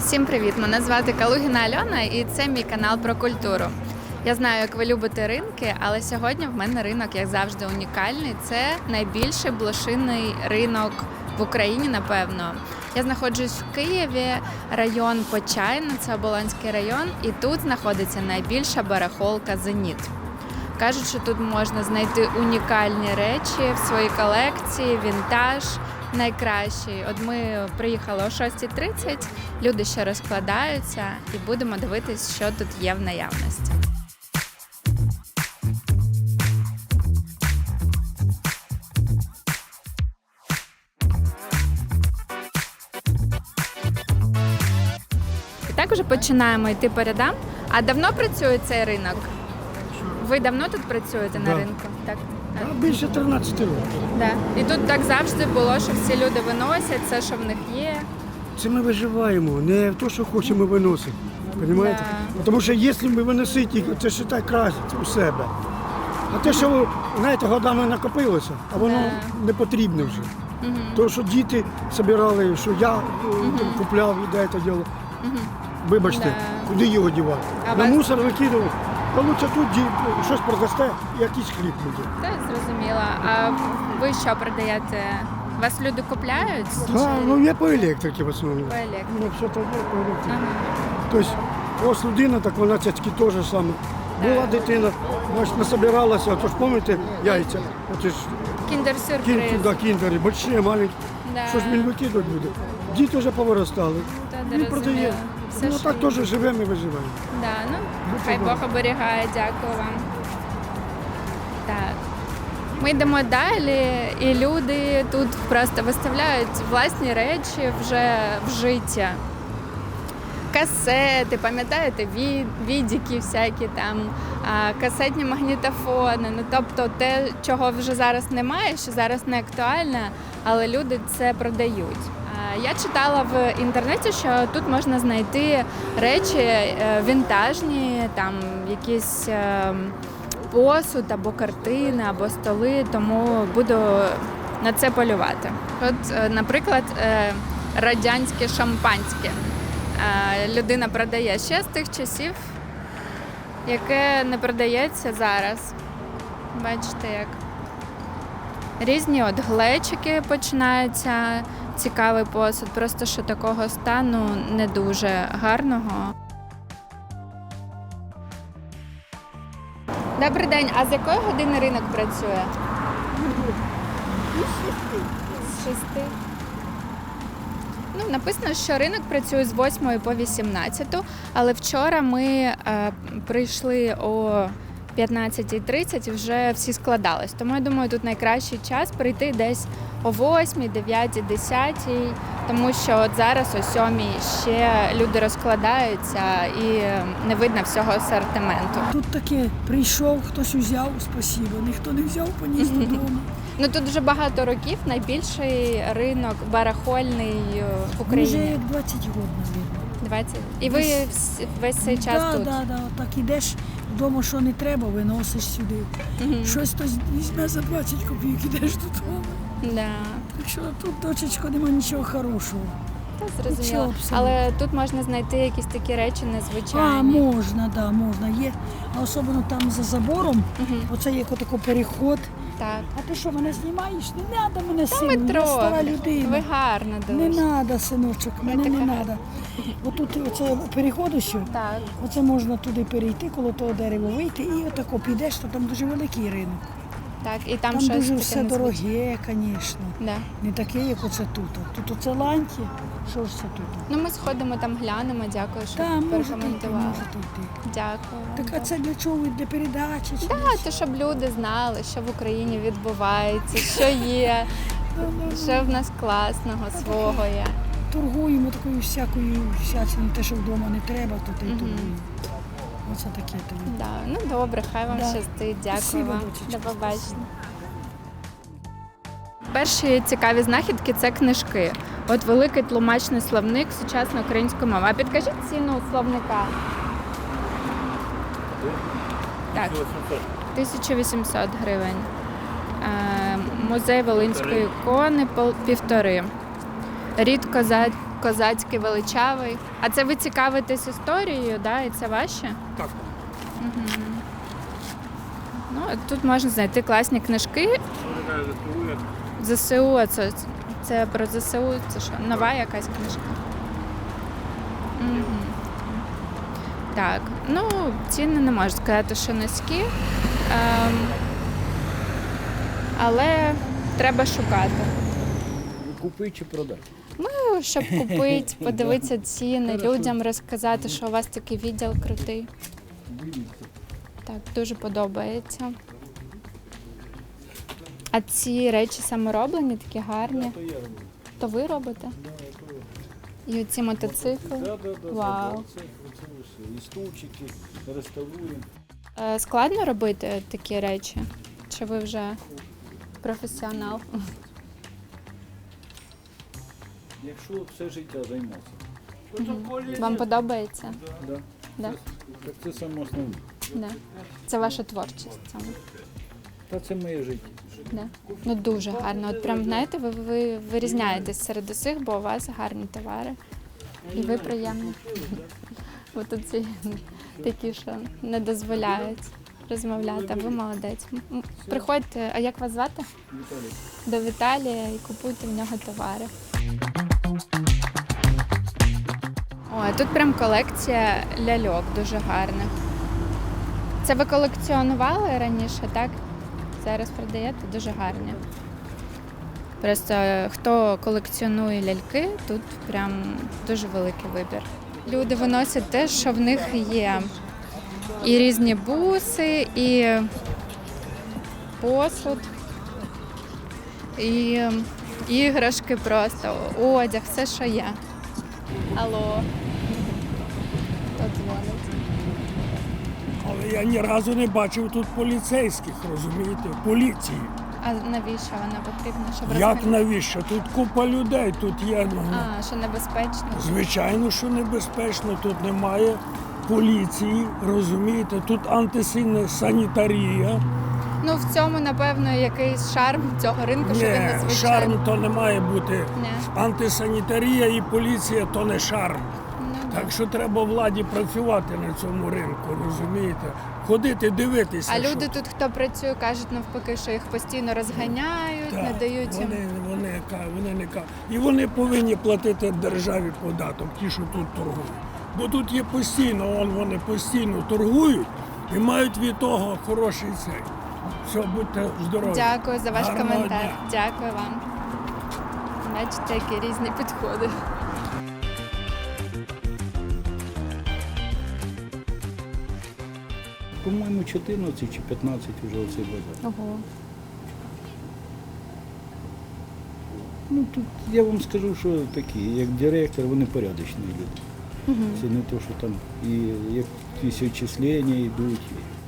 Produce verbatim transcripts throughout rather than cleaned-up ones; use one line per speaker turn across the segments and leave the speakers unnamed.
Всім привіт! Мене звати Калугіна Альона і це мій канал про культуру. Я знаю, як ви любите ринки, але сьогодні в мене ринок, як завжди, унікальний. Це найбільший блошиний ринок в Україні, напевно. Я знаходжусь в Києві, район Почайна, це Оболонський район, і тут знаходиться найбільша барахолка «Зеніт». Кажуть, що тут можна знайти унікальні речі в своїй колекції, вінтаж найкращий. От ми приїхали о шостій тридцять, люди ще розкладаються і будемо дивитись, що тут є в наявності. І так уже починаємо йти по рядам. А давно працює цей ринок? Ви давно тут працюєте
Да.
на ринку? Так.
А більше тринадцяти років.
Да. І тут так завжди було, що всі люди виносять все, що в них є.
Це ми виживаємо, не те, що хочемо виносити. Розумієте?
Да.
Тому що якщо ми виносити, це ж так краще у себе. А те, що, знаєте, годами накопилося, а воно
Да.
не потрібне вже.
Угу.
То, що діти збирали, що я угу. купляв і де це діло.
Угу.
Вибачте,
Да.
куди його дівати?
А
На
вас-
мусор викидав. Та лучше тут ді- щось продасте, якийсь хліб буде.
Це зрозуміло. А ви що продаєте? Вас люди купляють?
Так, ну я по електриці в основному.
По електриці.
Ну, все так є по електриці.
Ага.
Тобто, ось людина, так вона цяцькі теж саме. Була дитина, бач, насобиралася, то ж пам'ятаєте, яйця. Оце ж
Кіндер-сюрприз.
кін, да, кіндери, больші, маленькі.
Да.
Що ж він викидувати буде? Діти вже повиростали.
Та,
Він
да,
продає.
розумію. Все,
Ну
що
так теж живемо і виживаємо.
Да, ну,
Будьте
хай
добрі.
Бог оберігає, дякую вам. Так. Ми йдемо далі, і люди тут просто виставляють власні речі вже вжиття. Касети, пам'ятаєте, Ві- відіки всякі там, а, касетні магнітофони. Ну, тобто те, чого вже зараз немає, що зараз не актуально, але люди це продають. А, Я читала в інтернеті, що тут можна знайти речі е, вінтажні, там якісь е, посуд або картини, або столи, тому буду на це полювати. От, е, наприклад, е, радянське шампанське. Е, Людина продає ще з тих часів, яке не продається зараз. Бачите, як різні от глечики починаються, цікавий посуд, просто що такого стану не дуже гарного. Добрий день, а з якої години ринок працює? З шести. Ну, написано, що ринок працює з восьмої по вісімнадцяту, але вчора ми е, прийшли о п'ятнадцятій тридцять, вже всі складались. Тому я думаю, тут найкращий час прийти десь о восьмій, дев'ятій, десятій, тому що от зараз о сьомій ще люди розкладаються і не видно всього асортименту.
Тут таке, прийшов, хтось узяв, спасибо, ніхто не взяв, поніс додому.
Ну тут вже багато років найбільший ринок барахольний в
Вже
Україні.
як двадцять років, мабуть.
двадцять. І ви вс- весь цей час
Да,
тут?
да, да, так ідеш вдома, що не треба, виносиш сюди.
Мгм.
Щось хтось візьме за двадцять копійок, ідеш додому.
Да.
Так що тут, дочечко, нема нічого хорошого.
Та
Нічого
зрозуміло.
абсолютно.
Але тут можна знайти якісь такі речі незвичайні.
А, можна, да, можна. Є. А особливо там за забором,
Мгм.
оце є такий переход.
Так.
А ти що, мене знімаєш? Не треба мене
Та
сину, я
метро.
стара людина.
Ви гарно
Не
дуже.
треба, синочок, мене
така
не
гарна.
треба. Отут оце переходу що,
Так.
оце можна туди перейти, коло того дерева вийти і отако підеш, то там дуже великий ринок.
Так, і там,
Там,
щось
дуже
таке
все
незвичайне.
дороге, звісно.
Да.
Не таке, як оце тут. Тут оце ланті, що ж це тут?
Ну ми сходимо там, глянемо. Дякую, що
Та, можете йти,
порекомендували.
можете йти.
Дякую.
Так а це для чого? Для передачі? Чи
Так,
для
то щоб люди знали, що в Україні відбувається, що є, що в нас класного свого є.
Торгуємо такою всякою всячиною, те, що вдома не треба, то ти й
Мгм.
торгуємо. Оце таке тобі.
Да. Ну добре, хай вам
Да.
щастить. Дякую
Спасибо,
вам.
дочечко,
До побачення. Перші цікаві знахідки це книжки. От великий тлумачний словник сучасної української мови. А підкажіть ціну словника. Так, тисяча вісімсот гривень. Е, Музей Волинської ікони пол- півтори. Рідко за козацький, величавий. А це ви цікавитесь історією, да? І це ваше?
Так.
Ну, тут можна знайти класні книжки. ЗСУ, а це, це про ЗСУ, це що, нова якась книжка? Мгм. Так, ну, ціни не можу сказати, що низькі, ем, але треба шукати.
Купи чи продай.
Ну, щоб купити, подивитися ціни, людям розказати, що у вас такий відділ крутий. Так, дуже подобається. А ці речі самороблені, такі гарні.
То я роблю.
То ви робите? І оці мотоцикли.
Да, да, да,
Вау.
да, це, це все. І стульчики, реставруємо.
Е, Складно робити такі речі? Чи ви вже професіонал?
Якщо все життя займатися.
Вам подобається?
Да.
Да.
Так це саме основне.
Да. Це ваша творчість саме.
Та це моє життя.
Да. Ну дуже гарно. От прям знаєте, ви, ви вирізняєтесь серед усіх, бо у вас гарні товари. І ви приємні. Бо тут ці такі, що не дозволяють розмовляти, а ви молодець. М, Приходьте, а як вас звати?
Віталій.
До Віталія і купуйте в нього товари. Ой, тут прям колекція ляльок дуже гарних. Це ви колекціонували раніше, так? Зараз продаєте, дуже гарні. Просто е, хто колекціонує ляльки, тут прям дуже великий вибір. Люди виносять те, що в них є. І різні буси, і посуд, і іграшки просто, одяг, все, що є. Алло. Хто дзвонить?
Але я ні разу не бачив тут поліцейських, розумієте, поліції.
А навіщо вона потрібна? Щоб
Як
розмовляти?
навіщо? Тут купа людей, тут є, ну,
А, що небезпечно?
звичайно, що небезпечно, тут немає поліції, розумієте, тут антисанітарія.
Ну, в цьому, напевно, якийсь шарм цього ринку, що він
Ні,
незвичайний.
шарм то не має бути.
Ні.
Антисанітарія і поліція то не шарм.
Ну,
Так що треба владі працювати на цьому ринку, розумієте? Ходити, дивитися.
А
що
люди тут, хто працює, кажуть навпаки, що їх постійно розганяють,
Так,
не дають їм.
Вони, вони, ка- вони не ка- І вони повинні платити державі податок, ті, що тут торгують. Бо тут є постійно, он, вони постійно торгують і мають від того хороший цей. Все, будьте здорові.
Дякую за ваш
Гарного
коментар.
дня.
Дякую вам. Бачите, які різні підходи.
По-моєму, чотирнадцять чи п'ятнадцять вже оцей базар.
Ого.
Ну тут я вам скажу, що такі, як директор, вони порядочні люди. Це не то, що там і якісь відчислення йдуть.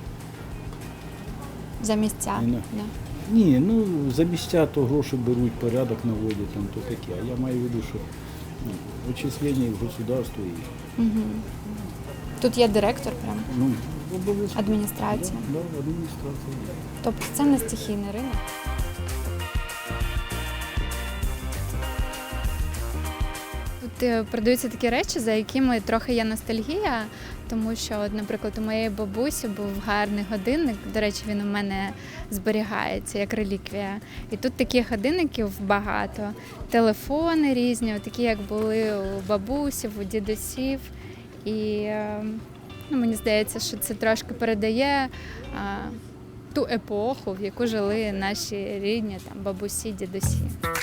За місця.
Ні,
Да.
Ні, ну за місця то гроші беруть, порядок наводять, там то таке. А я маю в виду, що ну, відчислення в государство і
Тут є директор прям,
ну, обов'язково.
адміністрація.
Да, да, адміністрація.
Тобто це не стихійний ринок. Тут е, продаються такі речі, за якими трохи є ностальгія, тому що, от, наприклад, у моєї бабусі був гарний годинник. До речі, він у мене зберігається як реліквія. І тут таких годинників багато. Телефони різні, от такі, як були у бабусів, у дідусів. І е, ну, мені здається, що це трошки передає а, ту епоху, в яку жили наші рідні там, бабусі, дідусі.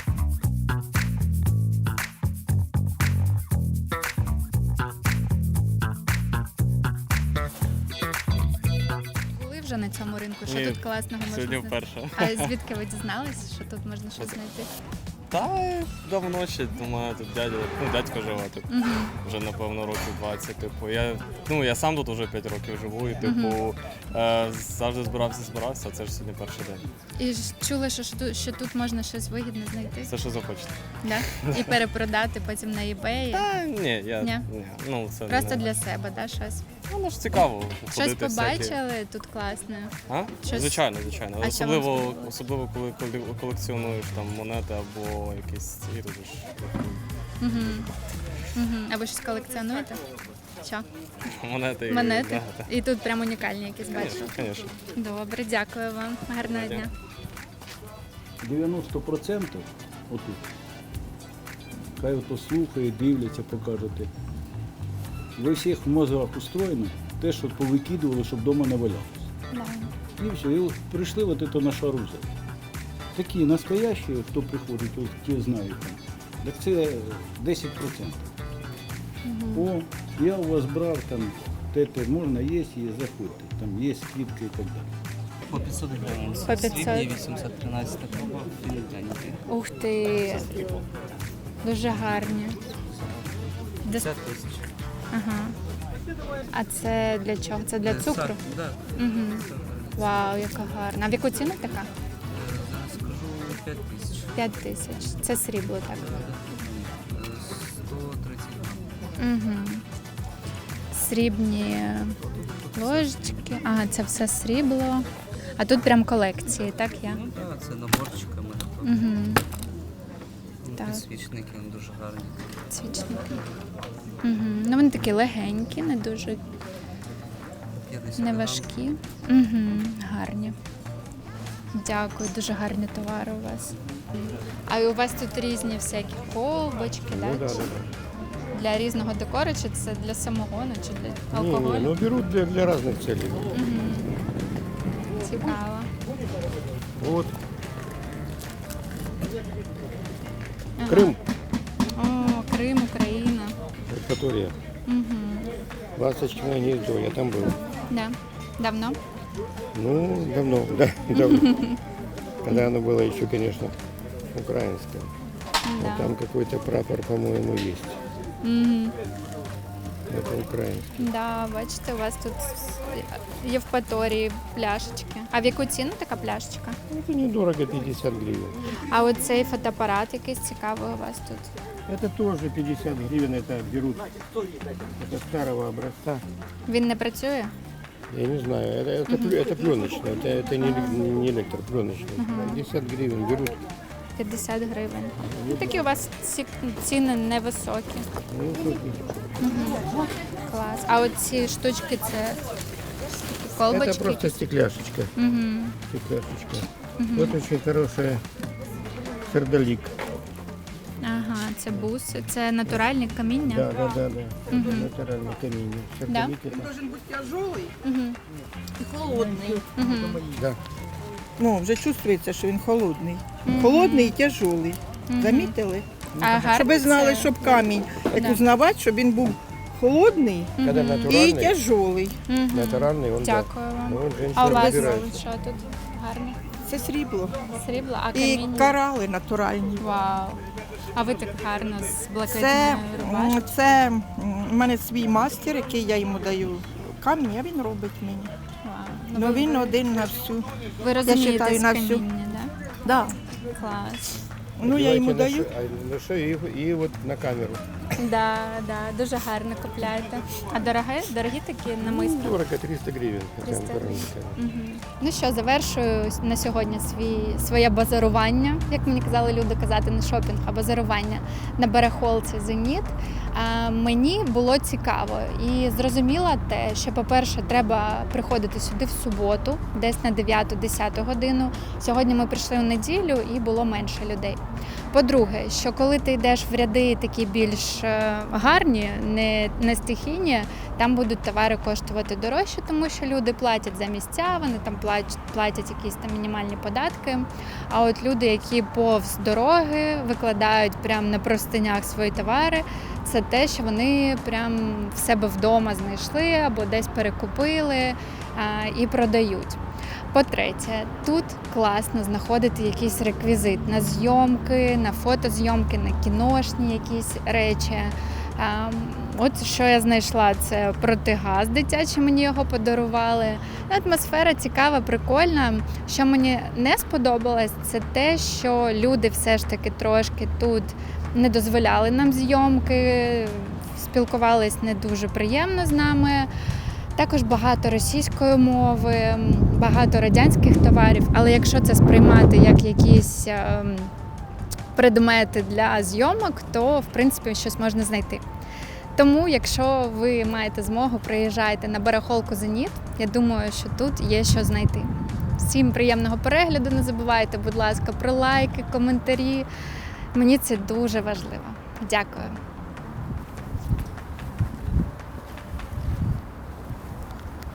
Були вже на цьому ринку? Що
Ні,
тут класного можна
сьогодні
знайти?
вперше.
А звідки ви дізналися, що тут можна щось знайти?
Та давно ще думаю, тут дядя, ну дядько живе тут.
Угу.
Вже напевно років двадцять. Типу, я ну я сам тут вже п'ять років живу, і типу е, завжди збирався, збирався, а це ж сьогодні перший день.
І ж чули, що, що, тут- що тут можна щось вигідне знайти?
Все, що захочете.
Да? І перепродати потім на eBay.
Та ні, я
Ні?
ні. Ну це
Просто
не,
для себе, да, щось?
ну, ж цікаво.
Щось
ходити всякі.
побачили тут класне.
А?
Щось-
Звичайно, звичайно.
А що вам
Особливо,
сподобалось?
особливо, коли коле- колекціонуєш там монети або якісь ці, тут ж
Угу. Угу. А ви щось колекціонуєте? Що?
Монети.
Монети?
Да, да.
І тут прям унікальні якісь бачу.
Конечно, конечно.
Добре, дякую вам. Гарного дня.
дев'яносто відсотків отут. Хай ото слухає, дивляться, покажете. Ви всіх в мозгах устроєно те, що повикидували, щоб вдома не валялося.
Да.
І все, і от прийшли от это на шаруза. Такі настоящі, хто приходить, от ті знають там. Так це десять відсотків. О, я у вас брав там, те, те, можна є, є, заходьте. Там є скидки і так далі.
По пятьсот гривень.
По пятьсот.
Срібні вісімсот тринадцять проба, філігранники.
Ух ти. Дуже гарні. Дес-
п'ятдесят тисяч.
Ага. А це для чого? Це для цукру?
Так, да.
Угу. Вау, яка гарна. А в яку ціну така?
Зараз скажу п'ять тисяч.
П'ять тисяч. Це срібло, так?
сто тридцять гривень.
Угу. Срібні ложечки. Ага, це все срібло. А тут прям колекції, так я?
Ну так, це наборчиками.
Угу.
Ну,
Так.
підсвічники вони дуже гарні.
Свічники. Угу. Ну вони такі легенькі, не дуже
п'ятдесят
не
грам.
важкі. Угу. Гарні. Дякую, дуже гарні товари у вас. А у вас тут різні всякі колбочки, да?
Ну, да, да, да.
Для різного декору, чи це для самогону, чи для
Не,
алкоголю?
не, ну берут для, для разных целей.
Цікаво.
Вот,
Ага.
Крым,
О, Крим, Україна.
Евпатория.
Угу.
Ласточкиное гнездо, я там был.
Да. Давно?
Ну, давно, да, давно. Когда оно было еще, конечно, украинское.
Да.
А там какой-то прапор, по-моему, есть.
Угу.
Это украинский.
Да, бачите, у вас тут в Євпаторії пляшечки. А в яку ціну така пляшечка?
Это недорого, пятьдесят гривен.
А оцей фотоапарат якийсь цікавий у вас тут.
Это тоже пятьдесят гривен, это берут. Это старого образца.
Він не працює?
Я не знаю, это, это, плю- это пленочный, это, это не, не электропленочный. пятьдесят гривен берут.
п'ятдесят гривень. Ну, такі у вас ці ціни невисокі.
Ну, тут
Клас. А оці штучки це такі колбочки?
это просто стекляшечка.
Угу.
Стекляшечка. Вот очень хорошая сердолик.
Ага, це буси, це натуральні каміння.
Да, да, да, да. Это натуральное камень. Сердолик это.
Должен быть тяжелый
Угу.
и холодный.
Угу.
Да.
Ну, вже чувствується, що він холодний. Холодний і тяжелий. Замітили?
А гарно
Щоб ви знали,
це?
щоб камінь, як
Да.
узнавати, щоб він був холодний
Когда
і
натуральный,
тяжелий.
Мгм.
натуральный, он
Дякую
да.
вам.
Ну, вот
А у
женщина
вас
разбирается.
що тут гарне?
Це срібло.
Срібло, а
І
каміння?
корали натуральні.
Вау. А ви так гарно з блакитною
Це,
рубашкою.
м, це м, у мене свій мастер, який я йому даю камінь, а він робить мені.
Вау.
Ну
ви,
він один на всю.
ви розумієте
считаю,
з
на всю.
каміння, так?
Да.
Клас.
Ну я йому
Одевайте
даю.
на ше- а, на шею и, и вот на камеру.
Да, да, дуже гарно купляєте. А дорогі, дорогі такі намиски?
Дорого, триста гривен. это
триста
натуральный камень.
Мгм. Ну що, завершую на сьогодні свій, своє базарування, як мені казали люди казати, не шопінг, а базарування на барахолці «Зеніт». А мені було цікаво і зрозуміла те, що, по-перше, треба приходити сюди в суботу, десь на дев'яту-десяту годину. Сьогодні ми прийшли у неділю і було менше людей. По-друге, що коли ти йдеш в ряди такі більш е, гарні, не, не стихійні, там будуть товари коштувати дорожче, тому що люди платять за місця, вони там платять, платять якісь там мінімальні податки. А от люди, які повз дороги викладають прямо на простинях свої товари, це те, що вони прям в себе вдома знайшли або десь перекупили а, і продають. По-третє, тут класно знаходити якийсь реквізит на зйомки, на фотозйомки, на кіношні якісь речі. А, От що я знайшла, це протигаз дитячий, мені його подарували. Атмосфера цікава, прикольна. Що мені не сподобалось, це те, що люди все ж таки трошки тут не дозволяли нам зйомки, спілкувались не дуже приємно з нами. Також багато російської мови, багато радянських товарів, але якщо це сприймати як якісь ем, предмети для зйомок, то в принципі щось можна знайти. Тому, якщо ви маєте змогу, приїжджайте на барахолку «Зеніт». Я думаю, що тут є що знайти. Всім приємного перегляду, не забувайте, будь ласка, про лайки, коментарі. Мені це дуже важливо. Дякую.